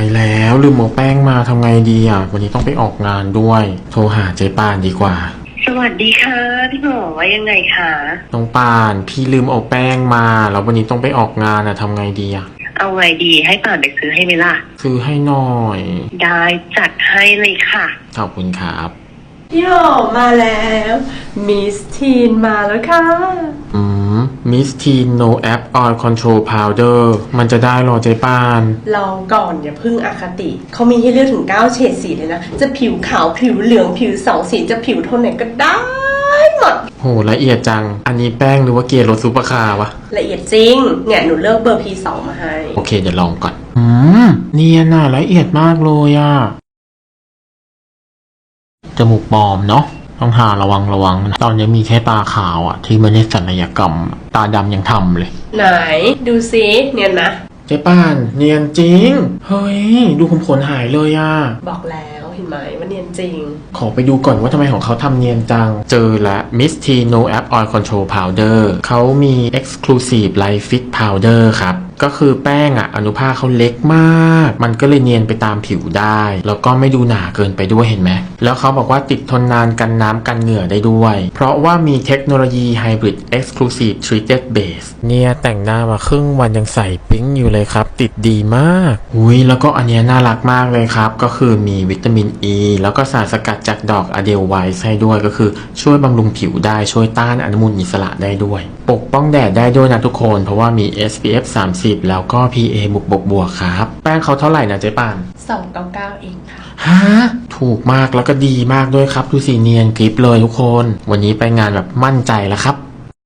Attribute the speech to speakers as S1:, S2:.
S1: ายแล้วลืมเอาแป้งมาทำไงดีอ่ะวันนี้ต้องไปออกงานด้วยโทรหาเจ๊ปานดีกว่า
S2: สวัสดีค่ะพี่หมอว่ายังไงคะ
S1: น้องปานพี่ลืมเอาแป้งมาแล้ววันนี้ต้องไปออกงานอ่ะทำไงดีอ่ะ
S2: เอาไงดีให้ป่านไปซื้อให้ไหมล่ะ
S1: ซื้อให้หน่อย
S2: ได้จัดให้เลยค่ะ
S1: ขอบคุณครับ
S3: พี่หมอมาแล้วมิสทีนมาแล้วค่ะ
S1: มิสทีน no app oil control powder มันจะได้หรอเจ๊ปาน
S3: ลองก่อนอย่าพึ่งอคติเขามีให้เลือกถึง9เฉดสีเลยนะจะผิวขาวผิวเหลืองผิว2สีจะผิวโทนไหนก็ได้หมด
S1: โหละเอียดจังอันนี้แป้งหรือว่าเกรดรสซุปเปอร์คาร์วะ
S3: ละเอียดจริงเนี่ยหนูเลือกเบอร์ P2 มาให้
S1: โอเคเดี๋ยวลองก่อนเนียนน่ะละเอียดมากเลยอ่ะจมูกปลอมเนาะต้องหาระวังนะตอนนี้มีแค่ตาขาวอ่ะที่ไม่ได้ศัลยกรรมตาดำยังทำเลย
S3: ไหนดูซิเนียนนะ
S1: เจ๊ป้านเนียนจริงเฮ้ยดูผมขนหายเลยอ่ะ
S3: บอกแล้วเห็นไหมว่าเนียนจริง
S1: ขอไปดูก่อนว่าทำไมของเขาทำเนียนจังเจอละ Miss T No App Oil Control Powder เขามี Exclusive Light Fit Powder ครับก็คือแป้งอ่ะอนุภาคเขาเล็กมากมันก็เลยเนียนไปตามผิวได้แล้วก็ไม่ดูหนาเกินไปด้วยเห็นไหมแล้วเขาบอกว่าติดทนนานกันน้ำกันเหงื่อได้ด้วยเพราะว่ามีเทคโนโลยี Hybrid Exclusive Treated Base เนี่ยแต่งหน้ามาครึ่งวันยังใส่ปิ๊งอยู่เลยครับติดดีมากแล้วก็อันนี้น่ารักมากเลยครับก็คือมีวิตามินอ e, แล้วก็สารสกัดจากดอกอะเดลไวซ์ให้ด้วยก็คือช่วยบำรุงผิวได้ช่วยต้านอนุมูลอิสระได้ด้วยปกป้องแดดได้ด้วยนะทุกคนเพราะว่ามี SPF 30แล้วก็ PA บวกครับแป้งเขาเท่าไหร่นะเจ๊ปาน
S3: 299เองค่ะ
S1: ฮะถูกมากแล้วก็ดีมากด้วยครับดูสีเนียนกริปเลยทุกคนวันนี้ไปงานแบบมั่นใจแล้วครับ